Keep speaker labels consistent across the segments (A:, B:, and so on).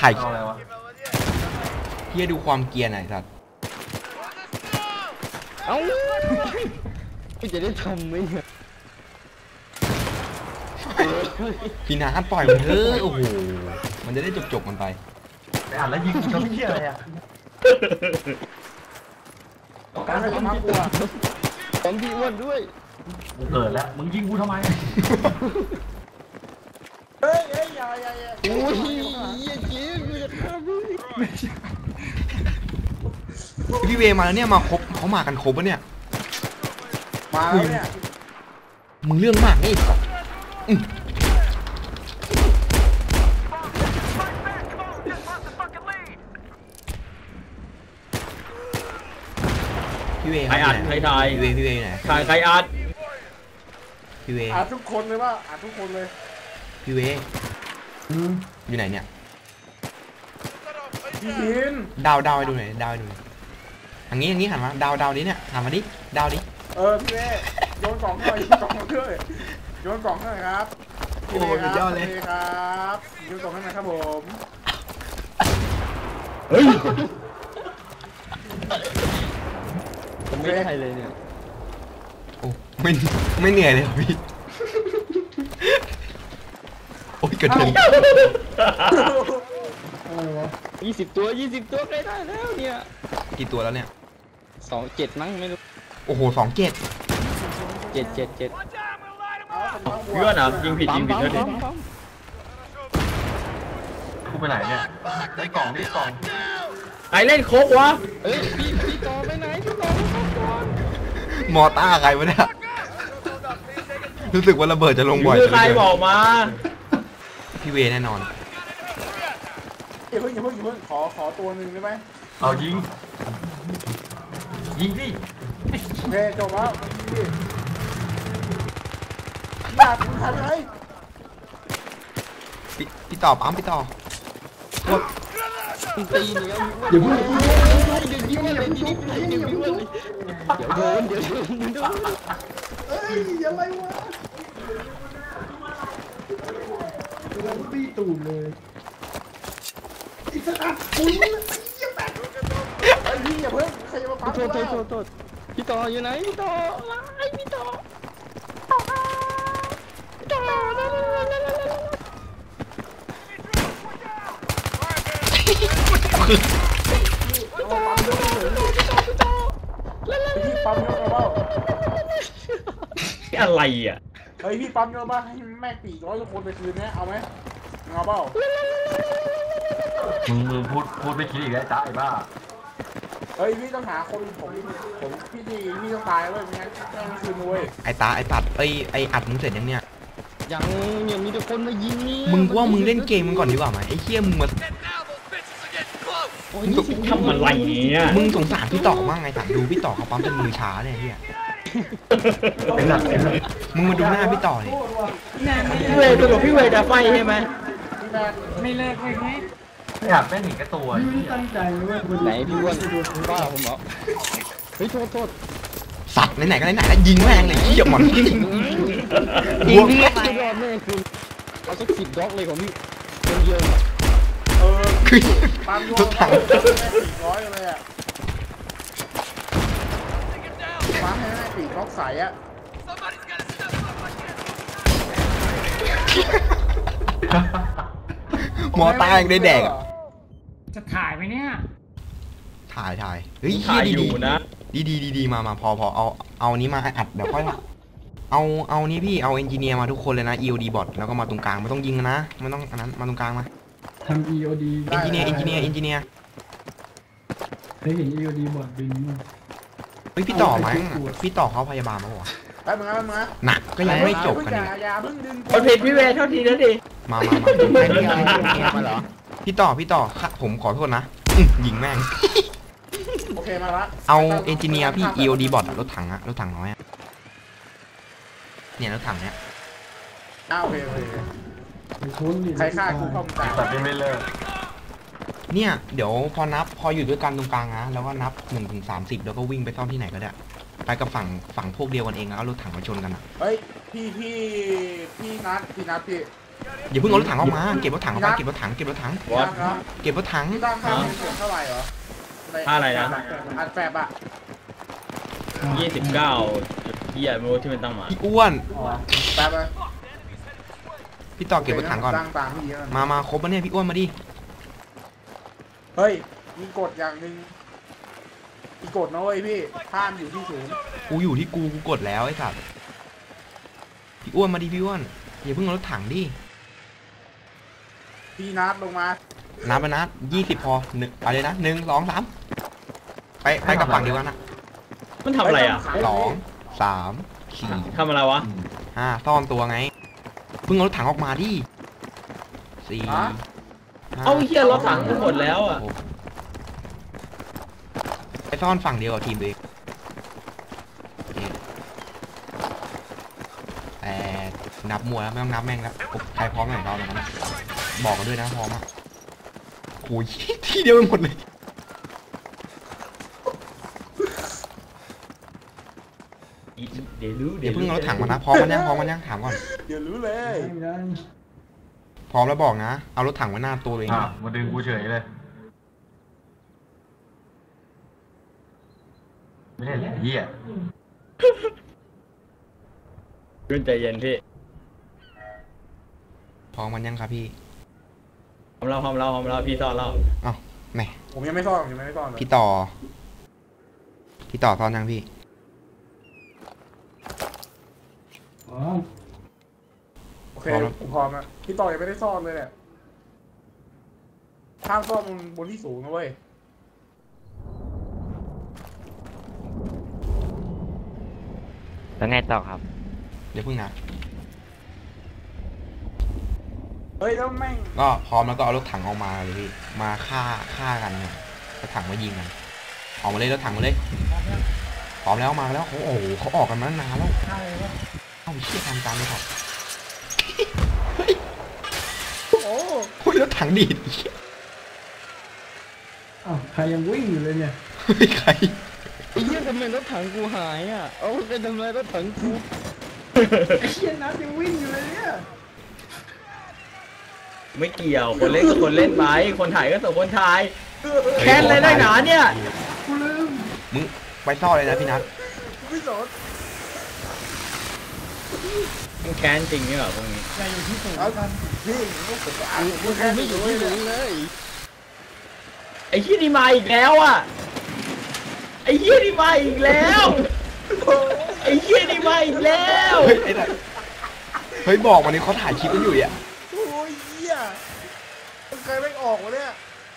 A: ถ่าย
B: อะไรวะ
A: เฮียดูความเกียร์หน่อยสัตว์
C: เอ้ากูจะได้ทำไหมเนี่ย
A: พี่นาปล่อยมันเถอะโอ้โหมันจะได้จบมันไป
B: ไปอ่านแล้วยิงกูทำเหี้ยอะไรอ่ะ
C: การทำกูอ่ะผมพี่อ้วนด้วย
B: กูเกิดแล้วมึงยิงกูทำไม
C: เฮ้ยอย่าโอ้ยยิงกูจะฆ่า
A: พี่เวมาแล้วเนี่ยมาครบเขามากันครบปะเนี่ย
C: มาแล้วเนี่ย
A: มึงเรื่องมากนี่สัตว์พี่เว
D: ใครอัดใครถ่าย
A: พี่เวไหน
D: ใครอัด
A: พี่เว
C: อัดทุกคนเลยว่าอัดทุกคนเลย
A: พี่เวอยู่ไหนเนี่ยดาวให้ดูหน่อยดาวให้ดูหน่อยอย่างนี้หันมาดาวดิเนี่ยหันมาดิดาวดิ
C: พี่เวโยนกล่องหน่อยโยนกล่องด้วยโยนกล่องหน่อยครับ
A: โอ้ยยอดเลย
C: ครับโยนกล่องให้หน่อยครับผม
D: เฮ้ย
C: ผมไม่ได้เลยเนี่ย
A: โอ้ไม่เหนื่อยเลยพี่โอ้ยกระเด็น
C: 20 ตัวใกล้ได้แล้วเนี่ย
A: กี่ตัวแล้วเนี่ย
C: 27มั้งไม่รู้
A: โอ้โห27
C: 7
D: เพื่อนอ่ะยิงผิดเท่านี้
B: กูไปไหนเนี่ยได้กล่อง
D: ใครเล่นโคกวะ
C: พี่ต่อไปไหนพี่ต่อไปก่อน
A: มอต้าใครวะเนี่ยรู้สึกว่าระเบิดจะลงบ่อย
D: ใครบอกมา
A: พี่เวแน่นอน
C: อย่าเพิ่งขอตัวหนึ่งได้ไหม
B: เอายิงสิ
C: โอเคจบแล้วอยากมึงทำไง
A: พี่ต่อปั๊มพี่ต่อ
C: ตีหนึ่งเดี๋ยวยิงเลยเดี๋ยวโดนเฮ้ยอะไรวะเราตีตูดเลยอีกสักอันปุ้ยไอ้พี่อย่าเพิ่งใครจะมาปั๊มโทษพี่ต่ออยู่ไหนพี่ต่อพี่ปั๊มเยอะเปล่า
D: อะไรอ่ะ
C: เฮ้ยพี่ปั๊มเยอะป่ะให้แม่ปี100ทุกคนไปคืนนี้เอาไหมเอาเปล่า
B: มึงพูดไม่คิดอีกแล้วจ้าไอ้บ้า
C: เฮ้ยพี่ต้องหาคนผมพี่ต้องตายเว้ยไม่งั้นแม่งคืนเว้ย
A: ไอ้ตัดไอ้อัดมึงเสร็จยังเนี่ย
C: ยังมีแต่คนมายิงนี่
A: มึงว่ามึงเล่นเกมมึงก่อนดีกว่าไหมไอ้เหี้ยมึงมา
D: ทำอะไรเนี่ย
A: มึงสงสารพี่ต่อมากไงสัตว์ดูพี่ต่อเขาปั๊มจนมือช้าเนี่ยเฮีย
B: เป็นหลัก
A: มึงมาดูหน้าพี่ต่อเลย
D: พี่เวย์จะไฟใช่ไหม
C: ไม่เลิกเลยไง
B: ไม่อยากเป็นหนีกระตัว
C: ไม่ตั้งใจเลยไหนพี่อ้วนบ้าผมเหรอเฮ้ยโทษ
A: สัตว์ไหนแล้วยิงแม่งเลยเหี้ยหมอนยิง
C: พี่ไม่รอดแม่คือเอาสัก10 ด็อกเลยของพี่คนเดียว
A: คือ
C: ทุกทาง400เลยอ่ะปั๊มให้ได้ปีกล็อกใสอ่ะ
A: หมอตายังได้แดกอ่ะ
C: จะถ่ายไหมเนี่ย
A: ถ่ายเฮ้ยดีนะดีมาพอเอานี้มาอัดเดี๋ยวค่อยเอานี้พี่เอาเอนจิเนียร์มาทุกคนเลยนะ EOD บอทแล้วก็มาตรงกลางไม่ต้องยิงนะไม่ต้องอันนั้นมาตรงกลางมา
C: ทำ EOD
A: เอนจิเนียร์
C: เคยเห็น EOD บอทบินมั้ย
A: เฮ้ยพี่ต่อไหมพี่ต่อเขาพยาบาลมาป่ะ
C: แป๊บนึง
A: หนักก็ยังไม่จบกัน
D: คนผิดพี่เวย์เท่าทีนั่นดิ
A: มาเหรอพี่ต่อค่ะผมขอโทษนะยิงแม่ง
C: โอเคมาละ
A: เอาเอนจิเนียร์พี่ EOD บอทรถถังน้อยเนี่ยรถถังเนี้ย
C: โอเคใครฆ่ากูเข้าตา
B: แต่ไม่เลิก
A: เนี่ยเดี๋ยวพออยู่ด้วยกันตรงกลางนะแล้วก็นับ1 ถึง 30แล้วก็วิ่งไปซ่อมที่ไหนก็ได้ไปกับฝั่งพวกเดียวกันเองแล้วเอารถถังมาชนกันอ่ะ
C: เฮ้ยพี่นัดพี่
A: อย่าเพิ่งเอารถถังออกมาเก็บรถถังออกไปเก็บรถถังเก็บรถถัง
D: วอต
C: ครับ
A: เก็บรถถัง
C: พี่ตั้งค่าเสียงเท่าไหร่เหรอ
D: ค่าอะไรนะ
C: อัดแฝบอ่ะ
D: 29เหี้ยไม่รู้ที่มันตั้งมา
A: พี่อ้วน
C: อ๋อแป๊บเลย
A: พี่ต่อเก็บรถถังก่อน
C: ตั้งตามพี่เยอะ
A: มาครบปะเนี่ยพี่อ้วนมาดิ
C: เฮ้ยมีกฎอย่างหนึ่งมีกฎนะเว้ยพี่ห้ามอยู่ที่สูง
A: กูอยู่ที่กูกดแล้วไอ้สัตว์พี่อ้วนมาดิพี่อ้วนอย่าเพิ่งเอารถถังดิ
C: พี่นัดลงมา
A: นับไปนับ20พอหนึ่งอะไรนะ1 2 3ไปกับฝั่งเดียวกันนะ
D: มันทำอะไรอ่ะ
A: 2 3 4
D: ทำอะไรวะ
A: 5ซ่อนตัวไงเพิ่งเอารถถังออกมาดิ4
C: ฮะ
A: 5
D: เอาเหี้ยรถถังกูหมดแล้วอ่ะ
A: ไปซ่อนฝั่งเดียวกับทีมตัวเองแต่นับมัวแล้วไม่ต้องนับแม่งแล้วใครพร้อมไหนเราตรงนั้นบอกกันด้วยนะพร้อมอ่ะโอ้ยที่เดียวกันหมดเลย
D: เดี๋ยวรู้
A: เดี๋ยวเพิ่งเอารถถังมานะพร้อมมันยังถามก่อน
C: เดี๋ยวรู้เลย
A: พร้อมแล้วบอกนะเอารถถังไว้หน้าตัวเอง
B: อ่ะมาดึงกูเฉยเลยไม่ได้เหี้ย
D: ขึ้นใจเย็นพี่
A: พร้อมมันยังครับพี่
D: พร้อมเราพี่ซ่อนเรา
A: อ้าวแหม่
C: ผมยังไม่ซ่อนเลย
A: พี่ต่อซ่อนยังพี่
C: โอเคผมพร้อมแล้วพี่ต่อยังไม่ได้ซ่อนเลยเนี่ยห้ามซ่อนบนที่สูงนะเว้ย
E: แล้วไงต่อครับ
A: เดี๋ยวเพิ่งนะ
C: เฮ้ยแล้วแม่ง
A: ก็พร้อมแล้วก็เอารถถังออกมาเลยพี่มาฆ่ากันเนี่ยรถถังมายิงกันออกมาเลยรถถังมาเลยพร้อมแล้วมาแล้วโอ้โหเขาออกกันมาตั้งนานแล้วเอ้าเชี่ยทำตามเลยครับโอ้ยรถถังดีด
F: อ้าวใครยังวิ่งอยู่เลยเนี่ย
A: เฮ้ยใคร
E: ไอ้เหี้ยทำไมรถถังกูหายอ่ะ เอาไปทำไมรถถังกู
F: ไอ้เชี่ยนัดยังวิ่งอยู่เลยเนี่ย
D: ไม่เกี่ยวคนเล่นก็คนเล่นไปคนถ่ายก็ส่งคนถ่ายแค้นเลยได้หนาเนี่ย
F: กูลืม
A: มึงไปซ่อนเลยนะพี่นัท
C: ไม่สน
D: มึงแค้นจริงนี่เหรอพวกนี้
F: ใครอยู่ที่สูง
C: เอา
F: กัน
C: พี่ผมก็อ่านผมแค่
E: ไม่อยู่ที่หลุมเลย
D: ไอ้เหี้ยนี่มาอีกแล้วอ่ะไอ้เหี้ยนี่มาอีกแล้วไอ้เหี้ยนี่มาอีกแล้ว
A: เฮ้ยไอ้นั่นเฮ้ยบอกวันนี้เขาถ่ายคลิปกันอยู่อ่ะ
C: โอ้ยเหี้ยมันเคยไม่ออกวะเนี่ย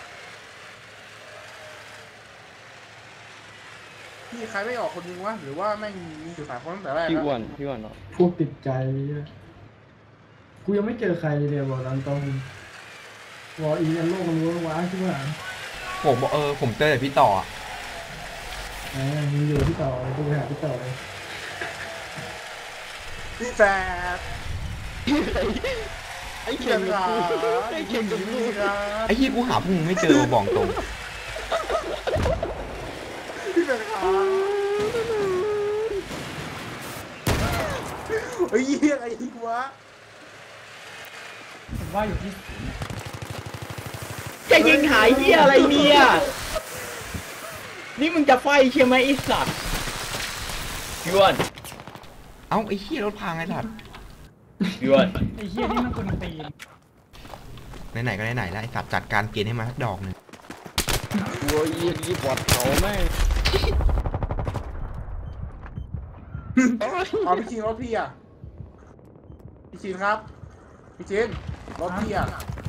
C: พี่ใครไม่ออกคนนึงวะหรือว่าแม่งมีอยู่3 คนตั้งแต่แรก
E: พี่
C: แล้ว
E: อ้วนพี่อ้วนเนาะ
F: พวกติดใจเนี่ยกูยังไม่เจอใครเลยเนี่ยบอกตามตรงวออีกันโลกมันรู้ว้าใช่ไหม
A: ผมบอกผมเจอแต่พี่ต่ออะ
F: มึงอยู่ที่ต่อกูไปหาที่ต่อเลย
C: พี่แฝด
E: ไอ้
C: พี่
E: เข่ง
C: แฝ
E: กับ
C: ด
E: กู
C: ขา
E: ไอ้เข่งกับกู
C: พี่ครับ
A: ไอ้เหี้ยกูหาพวกมึงไม่เจอบอกตรง
C: พี่แฝดขาเฮ้ยเหี้ยอะไรอีกวะ
F: ผมว่าอยู่ที่
D: จะยิงหายเหี้ยอะไรเนี่ยนี่มึงจะไฟใช่ไหมไอ้สัตว์พี่อ้วน
A: เอ้าไอ้เหี้ยรถพังไอ้สัตว์
D: พี่อ้วน
F: ไอ้เชี่ยนี่มันคนตีน
A: ไหนๆก็ไหนๆแล้วไอ้สัตว์จัดการเกณฑ์ให้มาสักดอกหนึ่ง
E: โอ้ยยี่ปอดเขาแม่ง
C: เอาพี่ชินรถพี่อ่ะพี่ชินครับพี่ชินรถพี่อ่ะ